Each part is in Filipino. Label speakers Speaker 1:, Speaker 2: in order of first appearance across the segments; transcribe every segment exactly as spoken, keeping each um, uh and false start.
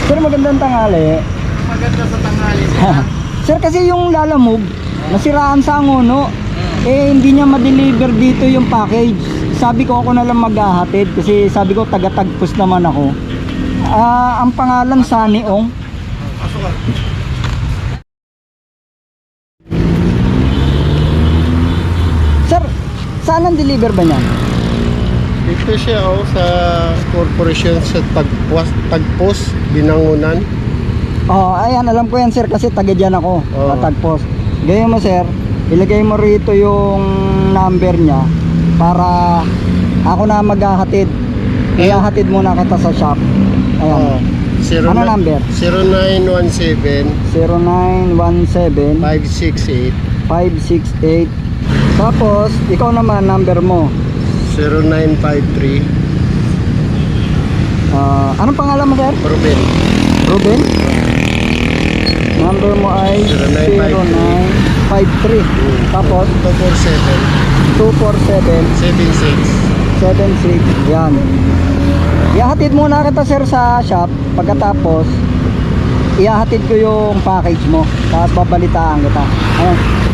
Speaker 1: Sir, magandang tanghali.
Speaker 2: Maganda sa tanghali.
Speaker 1: Sir, kasi yung Lalamove, nasiraan sa Angono. Eh, hindi niya ma-deliver dito yung package. Sabi ko ako na lang maghahatid kasi sabi ko taga-Tagpos naman ako. Ah, ang pangalan Sunny Ong.
Speaker 2: Pasok ka.
Speaker 1: Sir, saan ang deliver ba niyan?
Speaker 2: Dito siya oh, sa corporation sa Tagpos, Tagpos, Binangunan.
Speaker 1: Oh, ayan, alam ko yan sir kasi taga dyan ako,
Speaker 2: Oo.
Speaker 1: sa Tagpos. Ganyan mo sir, ilagay mo rito yung number niya para ako na maghahatid. Ihahatid muna kita sa shop. Ayan.
Speaker 2: Oh, zero
Speaker 1: Ano
Speaker 2: nine-
Speaker 1: number?
Speaker 2: zero nine one seven,
Speaker 1: zero nine one seven,
Speaker 2: five six eight,
Speaker 1: five six eight. Tapos, ikaw naman, number mo.
Speaker 2: zero nine five three.
Speaker 1: Ah, anong pangalan mo sir?
Speaker 2: Ruben.
Speaker 1: Ruben? Number mo ay
Speaker 2: zero
Speaker 1: zero
Speaker 2: nine
Speaker 1: nine five three. Tapos,
Speaker 2: two four seven,
Speaker 1: two four seven,
Speaker 2: seven six.
Speaker 1: seven six. Yan. Ihahatid muna kita sir sa shop. Pagkatapos, ihahatid ko yung package mo. Tapos babalitaan kita. Ayan.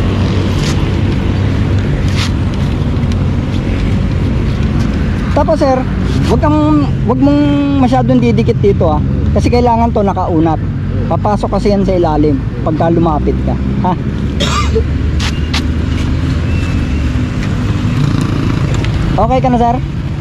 Speaker 1: Tapos sir, wag kang wag mong masyadong didikit dito ah. Kasi kailangan to nakaunat. Papasok kasi yan sa ilalim pagka lumapit ka. Ha? Okay ka na sir?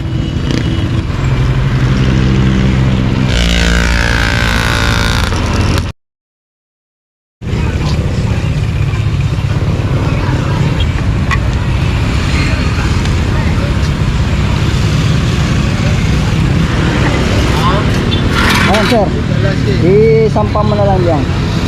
Speaker 1: Ayan sir, isampa mo na lang yan.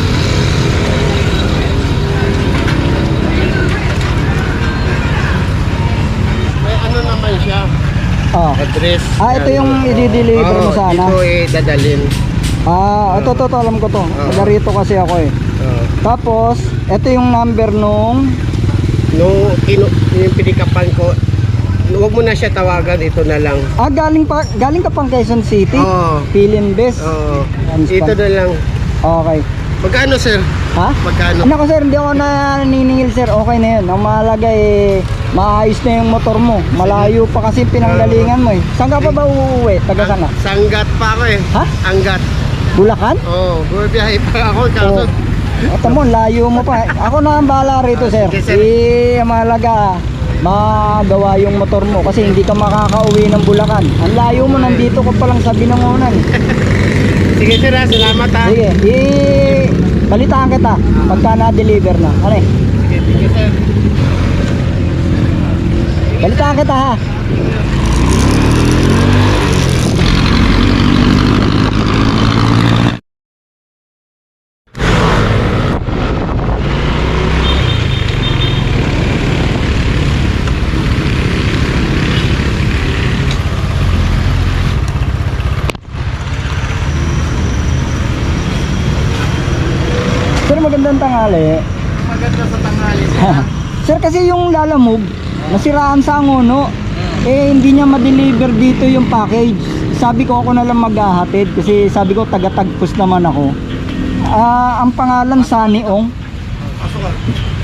Speaker 2: May ano naman siya,
Speaker 1: Oh.
Speaker 2: address.
Speaker 1: Ah, ito yung i-deliver mo sana.
Speaker 2: Dito eh, dadalhin.
Speaker 1: Ah, ito to, to alam ko to. Taga rito kasi ako eh.
Speaker 2: Oh.
Speaker 1: Tapos, ito yung number nung
Speaker 2: Nung kinu yung pinikapan ko, huwag mo na siya tawagan, ito na lang.
Speaker 1: ah, galing pa galing ka pang Quezon City.
Speaker 2: Oo.
Speaker 1: Pilin Best.
Speaker 2: Oo.
Speaker 1: Yan,
Speaker 2: Ito
Speaker 1: span.
Speaker 2: na lang.
Speaker 1: Okay.
Speaker 2: Magkano sir?
Speaker 1: Ha?
Speaker 2: Magkano?
Speaker 1: Ano ko sir, hindi ako naniningil sir. Okay na yun. Ang mahalaga eh, maayos na yung motor mo. Malayo pa kasi pinanggalingan mo eh. Saan ka pa ba uuwi? Taga saan ka?
Speaker 2: Sanggat pa ako eh.
Speaker 1: Ha?
Speaker 2: Anggat.
Speaker 1: Bulacan?
Speaker 2: Oo, oh, bumibiyahe pa ako. Kaso,
Speaker 1: Oo. Ito mo, layo mo pa. Ako na ang bahala rito,
Speaker 2: Ah,
Speaker 1: sir.
Speaker 2: sige, sir.
Speaker 1: Eh, ang mahalaga, magawa yung motor mo kasi hindi ka makakauwi ng Bulacan. Ang layo mo, nandito ka pa lang sa Binangonan.
Speaker 2: sige sir ha, salamat ha.
Speaker 1: Sige, eh, balitaan kita pagka na-deliver na. Ano eh?
Speaker 2: Sige, sige sir.
Speaker 1: Balitaan kita ha. Sir, magandang tanghali.
Speaker 2: Maganda sa tanghali
Speaker 1: Sir, kasi yung Lalamove, nasiraan sa Angono. Eh, hindi niya ma-deliver dito yung package. Sabi ko ako na lang maghahatid kasi sabi ko taga-Tagpos naman ako. Ah, ang pangalan Sunny Ong.
Speaker 2: Pasok ka.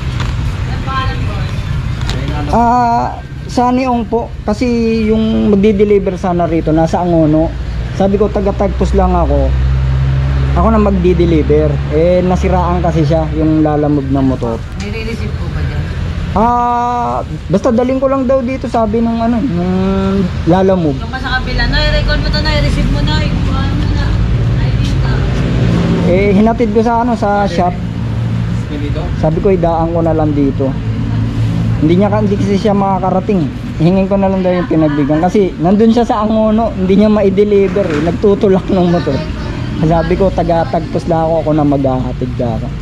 Speaker 1: Ah, Sunny Ong po kasi yung magdi-deliver sana rito nasa Angono. Sabi ko taga-Tagpos lang ako. Ako na magdi-deliver. Eh, nasiraan kasi siya yung Lalamove na motor.
Speaker 3: May re-receive po ba dyan?
Speaker 1: Ah, basta daling ko lang daw dito sabi nung ano, nung Lalamove.
Speaker 3: Yung pa sa kabila, no, i-record mo to na, i-receive mo na, ikuha mo na. I D ka.
Speaker 1: Eh, hinatid ko sa ano, sa shop. Sabi ko, idaan ko na lang dito. Hindi niya hindi kasi siya makakarating. Hingin ko na lang daw yung pinagbigyan kasi nandun siya sa Angono, hindi niya ma-deliver eh. Nagtutulak ng motor. Sabi ko, taga-Tagpos lang ako, ako na maghahatid ka ako.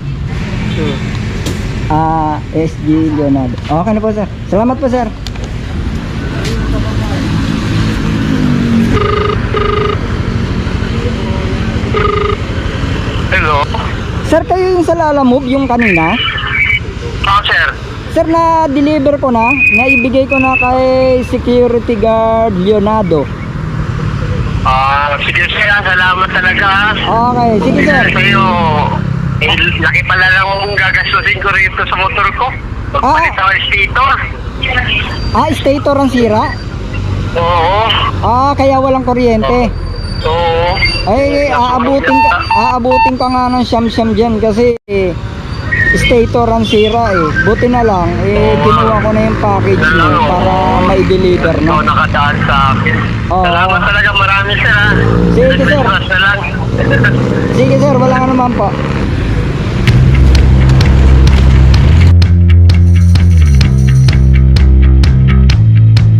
Speaker 1: Ah, S G Leonardo. Okay na po sir. Salamat po sir.
Speaker 4: Hello?
Speaker 1: Sir, kayo yung sa Lalamove, yung kanina?
Speaker 4: Ah, sir.
Speaker 1: Sir, na-deliver ko na. Naibigay ko na kay security guard Leonardo.
Speaker 4: Ah, sige sir, ah, salamat talaga. ah.
Speaker 1: Okay, sige sir.
Speaker 4: Sa'yo, eh, laki pala lang mong gagastusin ko rito sa motor ko. Magpalit
Speaker 1: Ah.
Speaker 4: ako ng stator.
Speaker 1: Ah, stator ang sira?
Speaker 4: Oo.
Speaker 1: Ah, kaya walang kuryente.
Speaker 4: Oo.
Speaker 1: Ay, aabutin ka, aabutin ka nga ng siyam-siyam dyan kasi eh, stator ang sira eh. Buti na lang, eh, kinuha ko na yung package mo para may deliver
Speaker 4: Ikaw
Speaker 1: na.
Speaker 4: nakadaan sa akin.
Speaker 1: Oo.
Speaker 4: Salamat talaga, marami sir ha.
Speaker 1: Sige, sir.
Speaker 4: Christmas na lang.
Speaker 1: Sige sir, wala ka naman po.